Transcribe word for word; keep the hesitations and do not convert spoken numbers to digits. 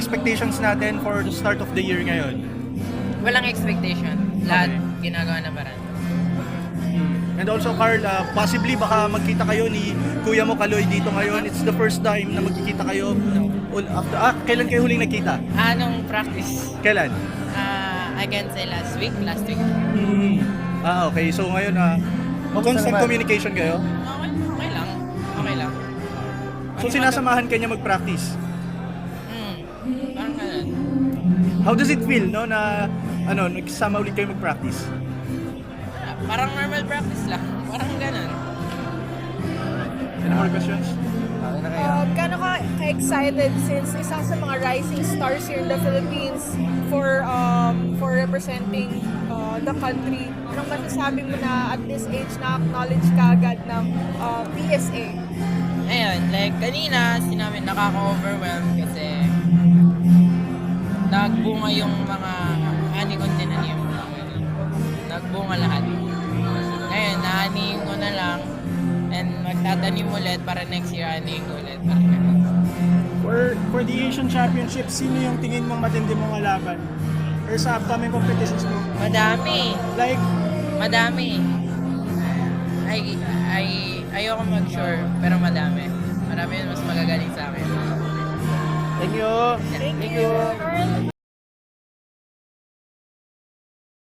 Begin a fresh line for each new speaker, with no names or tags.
expectations natin for the start of the year ngayon?
Walang expectation. Lahat ginagawa na parang.
And also, Carl, uh, possibly baka magkita kayo ni Kuya mo Kaloy dito ngayon. It's the first time na magkikita kayo. Ul- After, ah, kailan kayo huling nagkita?
Anong practice?
Kailan?
Ah, I can say last week, last week.
Hmm. Ah, okay. So ngayon, ah, constant communication kayo?
Okay, okay lang. Okay lang.
So sinasamahan ka niya mag-practice?
Hmm, parang ganun.
How does it feel, no, na ano, nagsama ulit kayo mag-practice?
Ah, Parang normal practice lang. Parang ganun.
Any more questions?
Um, Gano'n ka ka-excited since isa sa mga rising stars here in the Philippines for um, for representing uh, the country? Anong masasabi mo na at this age na-acknowledge ka agad ng uh, P S A?
Ayun, like kanina, sinabi nakaka-overwhelm kasi nagbunga yung mga ani kong tinanim. Nagbunga lahat. Ngayon, naanihin ko na lang and magtatanim ulit para next year anihin ko ulit. Parang ganun.
For, for the Asian Championship, sino yung tingin mong matindi mong laban? Or sa upcoming competitions mo?
Madami.
Like,
Madami. Ay, ay, ayoko mag-sure, pero madami. Marami yun mas magagaling sa akin.
Thank you!
Thank you, Carl.